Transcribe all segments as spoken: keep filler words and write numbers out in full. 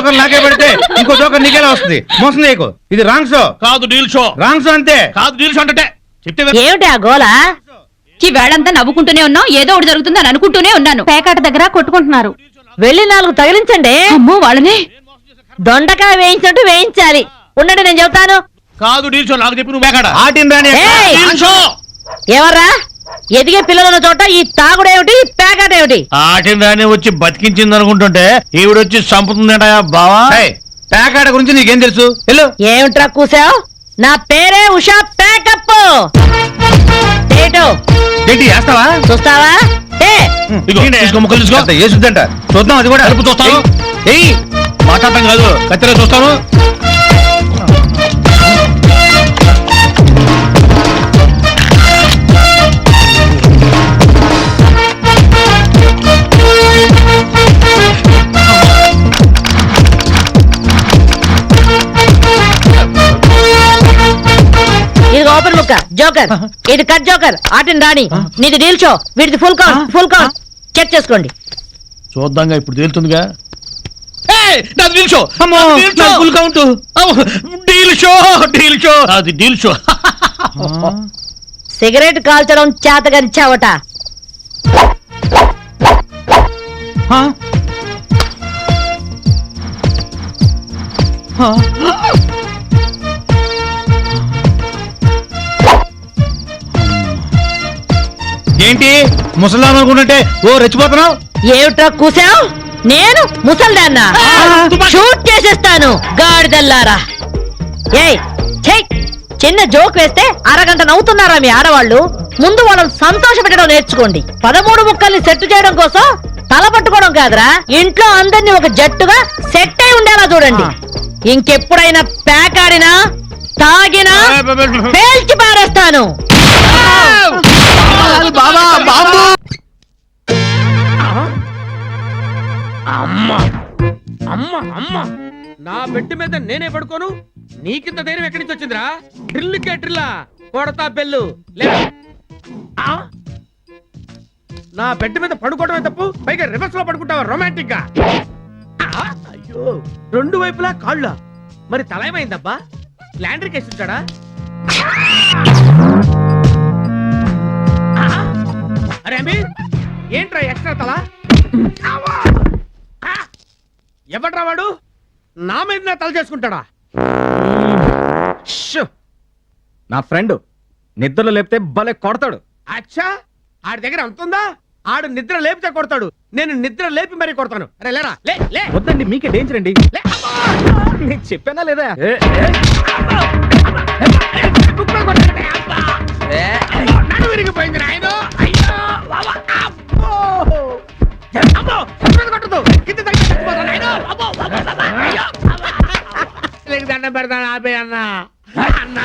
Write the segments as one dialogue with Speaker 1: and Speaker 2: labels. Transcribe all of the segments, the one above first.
Speaker 1: Joker నాకే పెడితే ఇంకో జోకర్ నీకేలా వస్తుంది? మోసం చేయకు, ఇది రాంగ్ షో
Speaker 2: కాదు డీల్ షో.
Speaker 1: రాంగ్ షో అంతే.
Speaker 2: కాదు డీల్ షో అంటే చెప్తే
Speaker 3: ఏమిటి ఆ గోల? ఈ వేళంతా నవ్వుకుంటూనే ఉన్నావు, ఏదో ఒకటి జరుగుతుందని అనుకుంటూనే ఉన్నాను. పేకాట దగ్గర కొట్టుకుంటున్నారు.
Speaker 4: వెళ్ళి నాలుగు తగిలించండి.
Speaker 3: అమ్మో వాళ్ళని
Speaker 4: దొండకాయ వేయించినట్టు వేయించాలి. ఉండండి నేను చెబుతాను.
Speaker 2: కాదు డీల్ షో, నాకు చెప్పి నువ్వు మేకాడ
Speaker 1: ఆటిన్ రాని
Speaker 4: ఏయ్!
Speaker 2: Deal show.
Speaker 4: ఎవర్రా ఎదిగే పిల్లలున్న చోట ఈ తాగుడేమిటి, పేకాట ఏమిటి?
Speaker 2: ఆటిన రాని వచ్చి బతికించింది అనుకుంటుంటే ఈవిడొచ్చి చంపుతుందట బావా.
Speaker 1: ఏయ్, పేకాట గురించి నీకేం తెలుసు? వెళ్ళు.
Speaker 4: ఏమిట్రా కూసావు? నా పేరే ఉషా పేకప్. ఏటో
Speaker 1: ఏంటి వేస్తావా?
Speaker 4: చూస్తావా? ఏ
Speaker 2: ఇదిగో, తీసుకో, ముక్కలు తీసుకో.
Speaker 1: అంత ఏసుద్దంట, చూద్దాం అది కూడా.
Speaker 2: కడుపు చూస్తాను.
Speaker 1: ఏయ్,
Speaker 2: మాట్లాడటం కాదు, కత్తిలో చూస్తాను.
Speaker 4: ఇది ఓపెన్ ముక్క జోకర్, ఇది కట్ జోకర్. ఆటిని రాణి, నీది డీల్ షో, వీటిది full count. Full count check చేసుకోండి.
Speaker 2: చూద్దాంగా, ఇప్పుడు తేలుతుందిగా. ఏయ్, నాది డీల్ షో.
Speaker 1: అమ్మో,
Speaker 2: నాది డీల్ షో.
Speaker 1: నాది ఫుల్ కౌంట్.
Speaker 2: అమ్మో, డీల్ షో, డీల్ షో, అది డీల్ షో.
Speaker 4: సిగరెట్ కాల్చడం చేతగరిచావట.
Speaker 1: ఆ? ఆ? ఏంటి ముసలాం అనుకుంటుంటే ఓ రెచ్చిపోతున్నావు?
Speaker 4: ఏమిట్రా కూసావు? నేను ముసల్దాన్నా? షూట్ చేసేస్తాను గాడిదల్లారా. ఏయ్ ఛై, చిన్న జోక్ వేస్తే అరగంట నవ్వుతున్నారా మీ ఆడవాళ్ళు? ముందు వాళ్ళని సంతోష పెట్టడం నేర్చుకోండి. పదమూడు ముక్కల్ని సెట్ చేయడం కోసం తల పట్టుకోవడం కాదురా, ఇంట్లో అందరినీ ఒక జట్టుగా సెట్ అయి ఉండేలా చూడండి. ఇంకెప్పుడైనా పేకాడినా తాగినా పేల్చి పారేస్తాను.
Speaker 2: బాబా బాబు.
Speaker 5: అమ్మ అమ్మ అమ్మ నా బెడ్ మీద నేనే పడుకోను, నీకింత ధైర్యం ఎక్కడి నుంచి వచ్చిందిరా? డ్రిల్కే డ్రిల్లా కొడతా బెల్లు లే. ఆ? నా బెడ్ మీద పడుకోవడమే తప్పు, పైగా రివర్స్ లో పడుకుంటావా రొమాంటిక్ గా? ఆ? అయ్యో, రెండు వైపులా కాళ్ళ, మరి తల ఏమైందబ్బా? ల్యాండర్ కేసు ఉంటాడా? అరే అమ్మి, ఏంట్రా ఎక్స్ట్రా తల? ఎవడ్రా వాడు? నా మీద నా తల చేసుకుంటాడా?
Speaker 1: నా ఫ్రెండ్ నిద్రలో లేపితే భలే కొడతాడు.
Speaker 5: అచ్చా, ఆడి దగ్గర అంతుందా? ఆడు నిద్ర లేపితే కొడతాడు, నేను నిద్ర లేపి మరీ కొడతాను. అరే లేరా, లే లే.
Speaker 1: వద్దండి, మీకే డేంజర్ అండి.
Speaker 5: లే, అబ్బా!
Speaker 1: నేను చెప్పానా లేదా?
Speaker 5: కుక్కలు కొట్టాడే, అబ్బా! నడుము విరిగిపోయింది నాయనో. అయ్యో, బాబా, అబ్బో! అమ్మో, కుక్కలు కొట్టదు, కింద తగ్గి చచ్చిపోతాను నాయనో. అబ్బో, బాబా, బాబా, అయ్యో, అబ్బా! నీకు దండం పెడతాను, ఆపే అన్న. అన్న,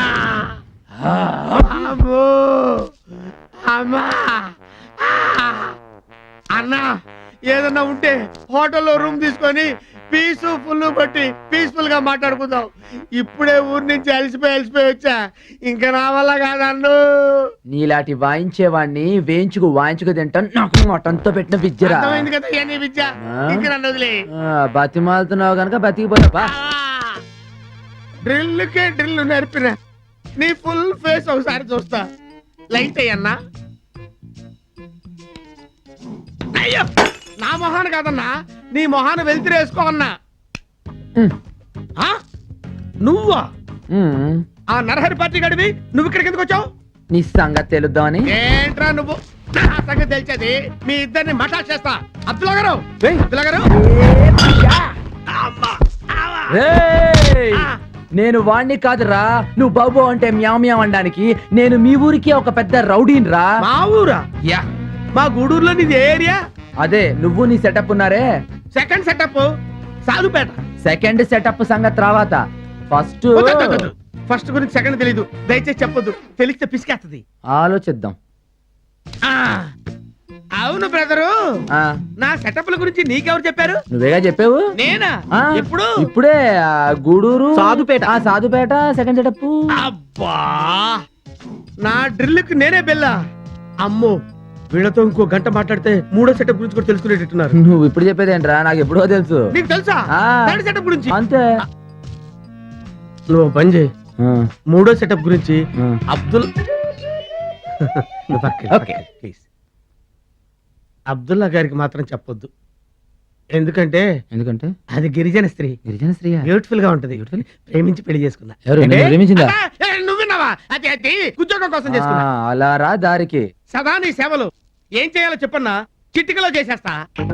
Speaker 5: అమ్మో, అమ్మా, అన్న, ఏదన్నా ఉంటే హోటల్లో రూమ్ తీసుకొని పీసు ఫుల్ కొట్టి పీస్ఫుల్ గా మాట్లాడుకుందాం. ఇప్పుడే ఊరి నుంచి అలసిపోయి అలసిపోయి వచ్చా, ఇంకా నా వల్ల కాదన్ను.
Speaker 6: నీలాంటి వాయించేవాడిని వేయించుకు వాయించుకు తింటాను. నాకు మటంతో పెట్టిన విద్యరా.
Speaker 5: అర్థమైంది కదా ఇవన్నీ విద్య. ఇంకా నన్ను వదిలే.
Speaker 6: బతిమాలుతున్నావు కనుక బతికిపోతా.
Speaker 5: డ్రిల్కే డ్రిల్ నేర్పిన నీ ఫుల్ ఫేస్ ఒకసారి చూస్తా. లైట్ అయ్యన్నా. అయ్యో, నా మొహాన్ని కాదన్నా, నీ మొహాన్ని వెళ్తిరి వేసుకో అన్నా. ఆ? నువ్వా? ఆ నరహరి పార్టీ గడివి నువ్వు ఇక్కడికి ఎందుకు వచ్చావు?
Speaker 6: నీ సంగతి తెలుద్దామని.
Speaker 5: ఏంట్రా నువ్వు? నా సంగతి తెలిసేది మీ ఇద్దరిని మఠా చేస్తా. అబ్దుల్లా గారు, అబ్దుల్లా గారు, అమ్మా, ఆవా.
Speaker 6: రేయ్!
Speaker 5: ఆ.
Speaker 6: నేను వాణ్ణి కాదురా, నువ్వు బాబు అంటే మ్యావ్ మ్యావ్ అనడానికి. నేను మీ ఊరికి ఒక పెద్ద రౌడీని రా.
Speaker 5: మా ఊరా?
Speaker 6: యా,
Speaker 5: మా గూడూరులో నీది ఏ ఏరియా?
Speaker 6: అదే నువ్వు నీ సెటప్ ఉన్నారే.
Speaker 5: Second setup Sadhupeta.
Speaker 6: Second setup సంగతి తర్వాత. ఫస్ట్
Speaker 5: ఫస్ట్ గురించి సెకండ్ తెలీదు, దయచేసి చెప్పొద్దు, తెలిస్తే పిసికేస్తది.
Speaker 6: ఆలోచిద్దాం.
Speaker 5: ఆ, అవును బ్రదరు,
Speaker 6: ఆ
Speaker 5: నా సెటప్ల గురించి నీకెవరు చెప్పారు?
Speaker 6: నువ్వేగా చెప్పావు.
Speaker 5: నేనా?
Speaker 6: ఆ,
Speaker 5: ఎప్పుడు?
Speaker 6: ఇప్పుడే. ఆ, గూడూరు
Speaker 1: సాధుపేట.
Speaker 6: ఆ సాధుపేట సెకండ్ సెటప్.
Speaker 5: అబ్బా, నా డ్రిల్ కి నేనే బెల్లా. అమ్మో, వీళ్ళతో ఇంకో గంట మాట్లాడితే మూడో సెటప్ గురించి కూడా తెలుసుకునేటట్టున్నారు.
Speaker 6: నువ్వు ఇప్పుడు చెప్పేది ఏంట్రా, నాకు ఎప్పుడో తెలుసు.
Speaker 5: నీకు తెలుసా
Speaker 6: ఆ.
Speaker 5: థర్డ్ సెటప్ గురించి?
Speaker 6: అంతే.
Speaker 5: నువ్వు ఓ పని చేయి,
Speaker 6: ఆ,
Speaker 5: మూడో సెటప్ గురించి
Speaker 6: ఆ.
Speaker 5: అబ్దుల్
Speaker 6: ఓకే.
Speaker 5: ప్లీజ్ అబ్దుల్లా గారికి మాత్రం చెప్పొద్దు, ఎందుకంటే
Speaker 6: ఎందుకంటే
Speaker 5: అది గిరిజన స్త్రీ,
Speaker 6: గిరిజన స్త్రీ
Speaker 5: బ్యూటిఫుల్ గా ఉంటది, ప్రేమించి పెళ్లి చేసుకున్నా.
Speaker 6: ఎవరు?
Speaker 5: ఏంటి?
Speaker 6: నిన్ను ప్రేమించిందా?
Speaker 5: అబ్బా, ఏ, నువ్వు విన్నావా? అది అది ఉద్యోగం కోసం చేసుకున్నా.
Speaker 6: అలా రా దారికి.
Speaker 5: సదా నీ సేవలు. ఏం చేయాలో చెప్పన్నా, చిటికలో చేసేస్తా.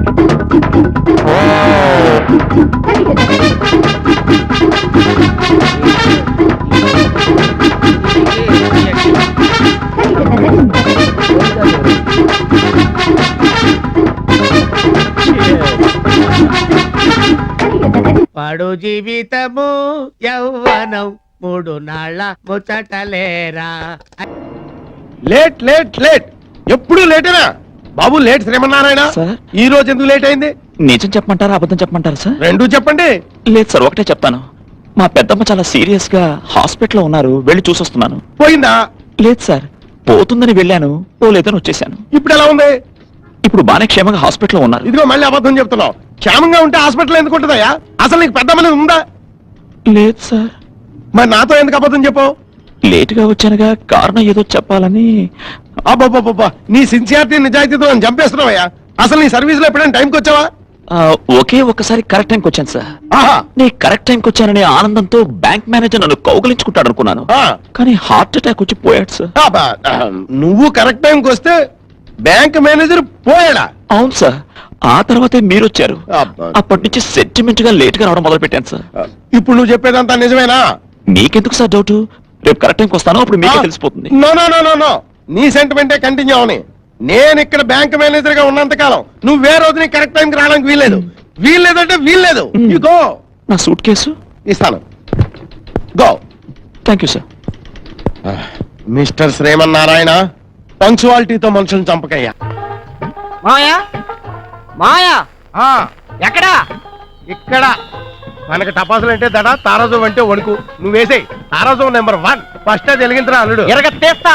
Speaker 5: పడు జీవితము యౌవనం మూడు నాళ్ళ ముచ్చటలేరా.
Speaker 7: లేట్ లేట్ లేట్ ఎప్పుడు లేటేనా బాబు? లేట్ శ్రీమన్నారాయణ, ఈ రోజు ఎందుకు లేట్ అయింది?
Speaker 8: నిజం చెప్పమంటారా అబద్ధం చెప్పమంటారా సార్?
Speaker 7: రెండు చెప్పండి.
Speaker 8: లేదు సార్, ఒకటే చెప్తాను. మా పెద్దమ్మ చాలా సీరియస్ గా హాస్పిటల్లో ఉన్నారు, వెళ్ళి చూసొస్తున్నాను.
Speaker 7: పోయిందా?
Speaker 8: లేదు సార్, పోతుందని వెళ్ళాను, పోలేదని వచ్చేసాను.
Speaker 7: ఇప్పుడు ఎలా ఉంది?
Speaker 8: ఇప్పుడు బానే క్షేమంగా హాస్పిటల్లో ఉన్నారు.
Speaker 7: ఇదిగో మళ్ళీ అబద్ధం చెప్తున్నావు. క్షేమంగా ఉంటే హాస్పిటల్ ఎందుకు ఉంటుందయ్యా? అసలు నీకు పెద్ద మనది ఉందా?
Speaker 8: లేదు సార్.
Speaker 7: మరి నాతో ఎందుకు అబద్ధం చెప్పావు?
Speaker 8: లేటుగా వచ్చానుగా, కారణం ఏదో చెప్పాలని.
Speaker 7: అబ్బాబ్బాబ్బా, నీ సిన్సియారిటీ నిజాయితీతో నన్ను చంపేస్తున్నావయ్యా. అసలు నీ సర్వీస్ లో ఎప్పుడైనా టైంకి వచ్చావా?
Speaker 8: ఆ, ఒకే ఒక్కసారి కరెక్ట్ టైంకి వచ్చాను సార్.
Speaker 7: ఆహా.
Speaker 8: నీ కరెక్ట్ టైంకి వచ్చాననే ఆనందంతో బ్యాంక్ మేనేజర్ నన్ను కౌగలించుకుంటాడు అనుకున్నాను,
Speaker 7: ఆ.
Speaker 8: కానీ హార్ట్ అటాక్ వచ్చి పోయాడు సార్.
Speaker 7: అబ్బా, నువ్వు కరెక్ట్ టైంకి వస్తే బ్యాంక్ మేనేజర్ పోయాడా?
Speaker 8: అవును సార్, ఆ తర్వాతే మీరు వచ్చారు.
Speaker 7: అబ్బా.
Speaker 8: అప్పటి నుంచి సెంటిమెంట్ గా లేట్ గా రావడం మొదలు పెట్టాను సార్.
Speaker 7: ఇప్పుడు నువ్వు చెప్పేదంతా నిజమేనా?
Speaker 8: మీకెందుకు సార్ డౌట్? రేపు కరెక్ట్ టైంకి వస్తాను, అప్పుడు మీకే తెలిసిపోతుంది.
Speaker 7: No no no no no నీ సెంటిమెంటే కంటిన్యూ అవని. నేను ఇక్కడ బ్యాంక్ మేనేజర్ గా ఉన్నంత కాలం నువ్వు వేరే రోజు నీ కరెక్ట్ టైంకి రావడానికి వీల్లేదు. వీల్లేదంటే వీల్లేదు. You go.
Speaker 8: నా సూట్ కేసు
Speaker 7: ఇస్తాను. Go.
Speaker 8: Thank you sir.
Speaker 7: Mister Srimannarayana, పంక్చువాలిటీతో మనుషులను చంపకయ్యా.
Speaker 5: మాయా మాయా
Speaker 7: ఆ,
Speaker 5: ఎక్కడా?
Speaker 7: ఇక్కడ మనకి టపాసులు అంటే దడ, తారాజు అంటే వణుకు. నువ్వు వేసేయి తారాజు నెంబర్ వన్. ఫస్ట్ అది వెలిగించరా అల్లుడు.
Speaker 5: ఎరగ తీస్తా.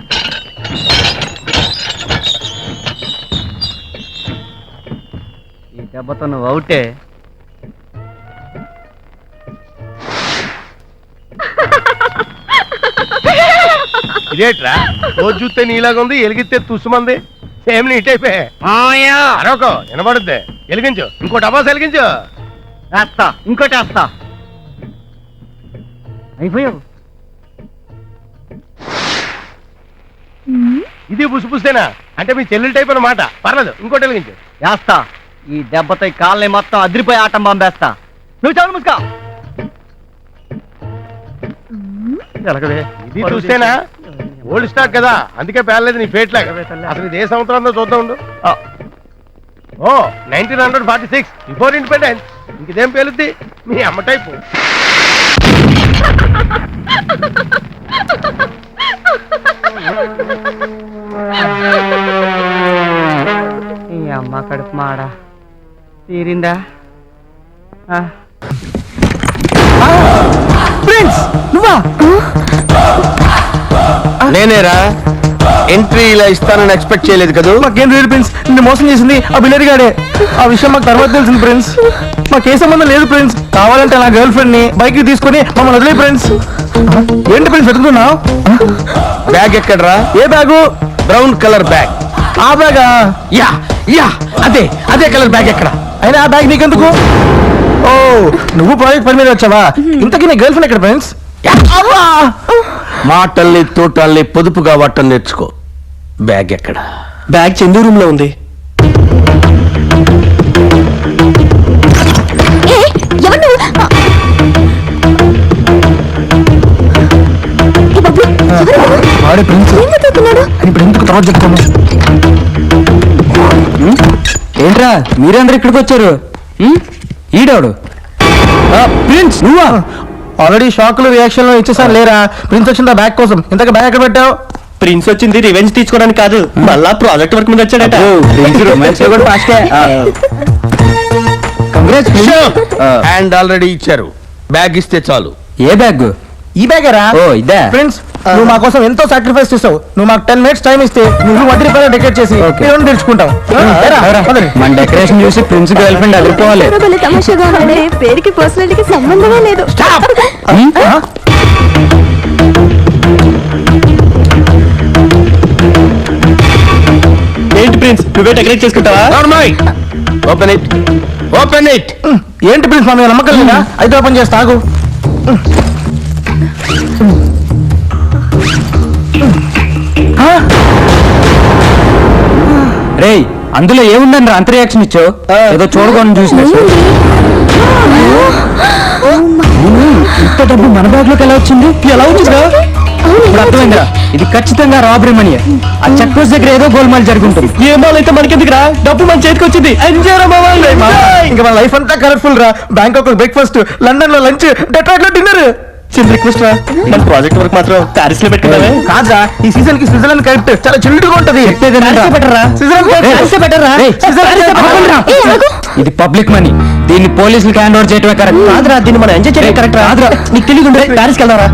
Speaker 5: ఈ దెబ్బతో నువ్వు అవుటే.
Speaker 7: ఇదేట్రా రోజు చూస్తే నీలాగా ఉంది, ఎలిగిస్తే తుస్సుమంది. సేమ్ నీట్ అయిపోయా.
Speaker 5: మాయా
Speaker 7: అరొక వినబడుద్ది. వెలిగించు, ఇంకో టపాసు వెలిగించు.
Speaker 5: వేస్తా, ఇంకోటి వేస్తా. అయిపోయావు.
Speaker 7: ఇది పుసిపుస్తేనా అంటే మీ చెల్లెలు టైప్ అన్నమాట. పర్లేదు, ఇంకోటి వెలిగించు.
Speaker 5: వేస్తా. ఈ దెబ్బతో ఈ కాళ్ళని మొత్తం అదిరిపోయి ఆటం పంపేస్తా. నువ్వు చాలు ముసుకా.
Speaker 7: ఇది చూస్తేనా ఓల్డ్ స్టాక్ కదా, అందుకే పేర్లేదు నీ ఫేట్ లాగా. అసలు ఇది ఏ సంవత్సరంలో చూద్దాం ఉండు. ఓ nineteen hundred forty six before independence. ఇంకేం పేలుద్ది మీ అమ్మ టైపు.
Speaker 5: ఈ అమ్మ కడుపు మాడా తీరిందా?
Speaker 7: నేనేరా ఎంట్రీ ఇలా ఇస్తానని ఎక్స్పెక్ట్ చేయలేదు కదా.
Speaker 9: మాకేం లేదు ప్రిన్స్, నిన్ను మోసం చేసింది ఆ బిల్లరి గాడే. ఆ విషయం మాకు తర్వాత తెలిసింది ప్రిన్స్. మాకే సంబంధం లేదు ప్రిన్స్. కావాలంటే నా గర్ల్ ఫ్రెండ్ ని బైక్ తీసుకొని మమ్మల్ని వదిలే ప్రిన్స్. ఏంటి ప్రిన్స్ వెతుకుతున్నావు?
Speaker 7: బ్యాగ్ ఎక్కడరా?
Speaker 9: ఏ బ్యాగు?
Speaker 7: Brown colour bag.
Speaker 9: ఆ బ్యాగా?
Speaker 7: యా యా అదే అదే కలర్ బ్యాగ్ ఎక్కడ?
Speaker 9: అయినా ఆ బ్యాగ్ నీకెందుకు? ఓ నువ్వు ప్రాజెక్ట్ పని మీద వచ్చావా? ఇంతకీ నీ గర్ల్ ఫ్రెండ్ ఎక్కడ ఫ్రెండ్స్?
Speaker 7: మాటల్ని తోటల్ని పొదుపుగా వాటం నేర్చుకో. బ్యాగ్ ఎక్కడ?
Speaker 9: బ్యాగ్ చందు రూమ్ లో ఉంది. వాడే ప్రిన్స్. ఇప్పుడు ఎందుకు తర్వాత చెప్తాను. ఏంట్రా మీరందరూ ఇక్కడికి వచ్చారు? ఈడవాడు ప్రిన్స్ నువ్వా? ఆల్రెడీ షాక్ లో రియాక్షన్ లో ఇచ్చేసాను లేరా? ప్రిన్స్ వచ్చిందా బ్యాగ్ కోసం. ఇంతకు బ్యాగ్ ఎక్కడ పెట్టావు?
Speaker 10: ప్రిన్స్ వచ్చింది రివెంజ్ తీసుకోవడానికి కాదు, మళ్ళా ప్రాజెక్ట్ వర్క్ మీద వచ్చాడట.
Speaker 7: అండ్ ఆల్రెడీ ఇచ్చారు. బ్యాగ్ ఇస్తే చాలు.
Speaker 9: ఏ బ్యాగ్? ఈ బ్యాగరా? ఓ ఇదే. ఫ్రెండ్స్ నువ్వు మా కోసం ఎంతో సాక్రిఫైస్ చేస్తావు. నువ్వు మాకు టెన్ మినిట్స్ టైం ఇస్తే నువ్వు వడ్డీ రూపాయలు డెకరేట్ చేసి లోన్ తెచ్చుకుంటావు.
Speaker 1: మన డెకరేషన్ చూసి ప్రిన్స్ గర్ల్ ఫ్రెండ్ అదిరిపోవాలి.
Speaker 3: తమాషాగా పేరుకి పర్సనాలిటీకి సంబంధమే లేదు.
Speaker 10: ఏంటి ప్రిన్స్ నువ్వే డెకరేట్ చేసుకుంటావా?
Speaker 7: ఓపెన్ ఇట్ ఓపెన్ ఇట్
Speaker 9: ఏంటి ప్రిన్స్ మా మీద నమ్మకం లేదా? అయితే ఓపెన్ చేసి తాగు.
Speaker 1: రేయ్ అందులో ఏముందని రా అంత రియాక్షన్ ఇచ్చావు? ఏదో చూడకుండా చూసినట్టు. ఇంత డబ్బు మన బ్యాగ్ లోకి ఎలా వచ్చింది? ఎలా వచ్చిందా? ఇప్పుడు అర్థమైందిరా, ఇది ఖచ్చితంగా రాబరీ మనీ. ఆ చెక్ పోస్ట్ దగ్గర ఏదో గోల్మాల్ జరుగుతుంది.
Speaker 10: ఏ మాల్ అయితే మనకెందుకురా, డబ్బు మన చేతికి వచ్చింది. ఎంజాయ్ రా మావా.
Speaker 9: ఇంకా మన లైఫ్ అంతా కలర్ఫుల్ రా. బ్యాంకాక్ లో బ్రేక్ఫాస్ట్, లండన్ లో లంచ్, డెట్రాయిట్ లో డిన్నర్.
Speaker 10: చిన్న రిక్వెస్ట్ రా, మన ప్రాజెక్ట్ వర్క్ మాత్రం ప్యారిస్ లో పెట్టుకున్నావే.
Speaker 9: కాదా, ఈ సీజన్ కి స్విట్జర్లాండ్ కరెక్ట్. చాలా చిల్డ్ గా ఉంటది.
Speaker 1: ఇది పబ్లిక్ మనీ, దీన్ని పోలీసులకు హ్యాండ్ ఓవర్ చేయటమే కరెక్ట్.
Speaker 10: కాదురా, దీన్ని మనం ఎంజాయ్ చేయడం కరెక్ట్ రా.
Speaker 1: కాదురా,
Speaker 10: నీకు తెలియదు ప్యారిస్ కి వెళ్దారా?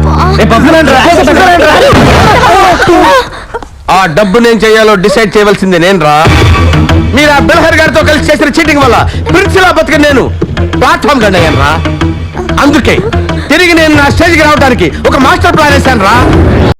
Speaker 7: ఆ డబ్బు నేను చేయాలో డిసైడ్ చేయవలసింది నేను రా. మీరు ఆ బిల్హర్ గారితో కలిసి చేసిన చీటింగ్ వల్ల ప్రిన్సిలా బతికి నేను ప్లాట్ఫామ్ గండయ్యాను రా. అందుకే తిరిగి నేను నా స్టేజ్కి రావడానికి ఒక మాస్టర్ ప్లాన్ వేశాను రా.